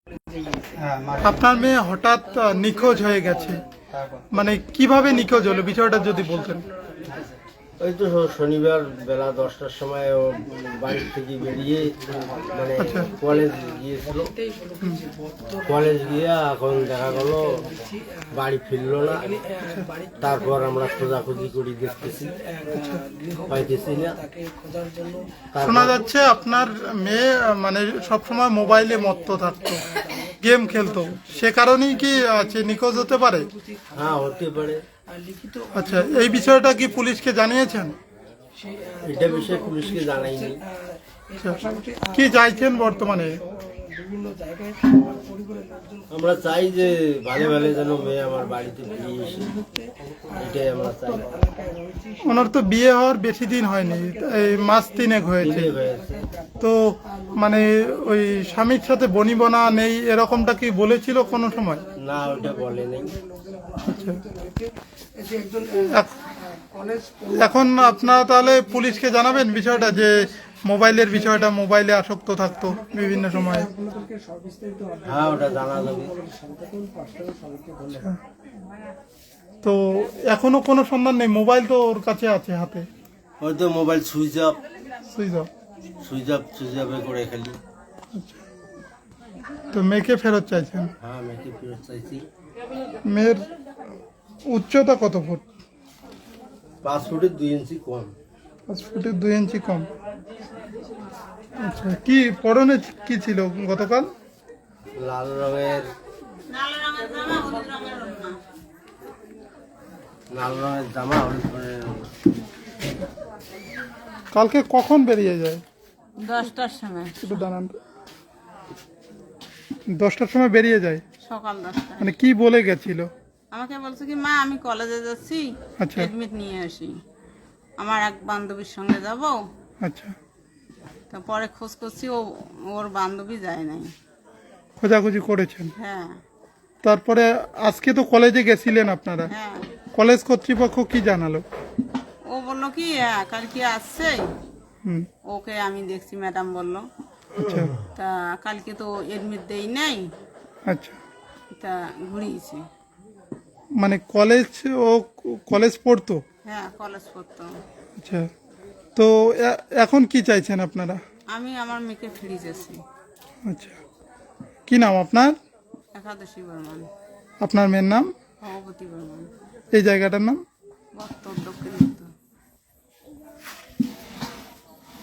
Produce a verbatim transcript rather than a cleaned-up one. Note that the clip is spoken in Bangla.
আপনার মেয়ে হঠাৎ নিখোঁজ হয়ে গেছে, মানে কিভাবে নিখোঁজ হলো বিষয়টা যদি বলতেন। ওই তো শনিবার বেলা দশটার সময় ও বাড়ি থেকে বেরিয়ে মানে কলেজ গিয়েছিল। কলেজ গিয়ে এখন দেখা গেল বাড়ি ফিরলো না। তারপর আমরা খোঁজাখুঁজি করি, দেখতেছি পাইতেছি না। শোনা যাচ্ছে আপনার মেয়ে মানে সবসময় মোবাইলে মত্ত থাকতো, গেম খেলতো, সে কারণেই কি আছে নিখোঁজ হতে পারে? হ্যাঁ, হতে পারে। আচ্ছা, এই বিষয়টা কি পুলিশকে জানিয়েছেন? এটা বিষয়ে পুলিশকে জানাইনি। কি চাইছেন বর্তমানে? আমরা চাই যে ভালো ভালো যেন মেয়ে আমার বাড়িতে ফিরে এসে, এটাই আমরা চাই। ওনার তো বিয়ে হওয়ার বেশি দিন হয়নি, এই মাস তিনেক হয়েছে। তো মানে ওই স্বামীর সাথে বনিবনা নেই এরকমটা কি বলেছিল কোনো সময়? না, ওটা বলে নেই। এখন আপনারা তাহলে পুলিশকে জানাবেন বিষয়টা, যে মোবাইলের বিষয়টা, মোবাইলে আসক্ত থাকতো বিভিন্ন সময়। হ্যাঁ, ওটা জানা যাবে। তো এখনো কোনো সন্ধান নেই? মোবাইল তো ওর কাছে আছে হাতে। হয়তো mobile switch off switch off switch off switch অফে করে খেলি। তো মেয়েকে ফেরত চাইছেন? হ্যাঁ, মেয়েকে ফেরত চাইছি। মেয়ের উচ্চতা কত ফুট? পাঁচ ফুটের দুই ইঞ্চি কম। পাঁচ ফুটের দুই ইঞ্চি কম। আচ্ছা, কি পরনে কি ছিল গতকাল? লাল রঙের লাল রঙের জামা, হলুদ রঙের। কালকে কখন বেরিয়ে যায়? দশটার সময়। একটু দাঁড়ান। দশটার সময় বেরিয়ে যায়? সকাল দশটা। মানে কি বলে গেছিল? আমাকে বলছে কি, মা আমি কলেজে যাচ্ছি, আচ্ছা। এডমিট নিয়ে আসি, আমার এক বান্ধবীর সঙ্গে যাব। আচ্ছা। তারপরে খোঁজ করছি, ও ওর বান্ধবী যায় নাই। খোঁজাখুঁজি করেছেন? হ্যাঁ। তারপরে আজকে তো কলেজে গেছিলেন আপনারা, হ্যাঁ। কলেজ কর্তৃপক্ষ কি জানালো? ও বললো কি, হ্যাঁ কালকে আসছে। হুম। ওকে আমি দেখছি, ম্যাডাম বললো। আচ্ছা। তা কালকে তো এডমিট দেই নাই। আচ্ছা। তা ঘুরিয়েছে। মানে কলেজ, ও কলেজ পড়তো? হ্যাঁ, কলেজ পড়তো। আচ্ছা। তো এ- এখন কি চাইছেন আপনারা? আমি আমার মেয়েকে ফিরিয়ে যাচ্ছি। আচ্ছা, কি নাম আপনার? একাদশী বর্মান। আপনার মেয়ের নাম? ভগবতী বর্মান। এই জায়গাটার নাম? বত্তর দক্ষিণ উত্তর।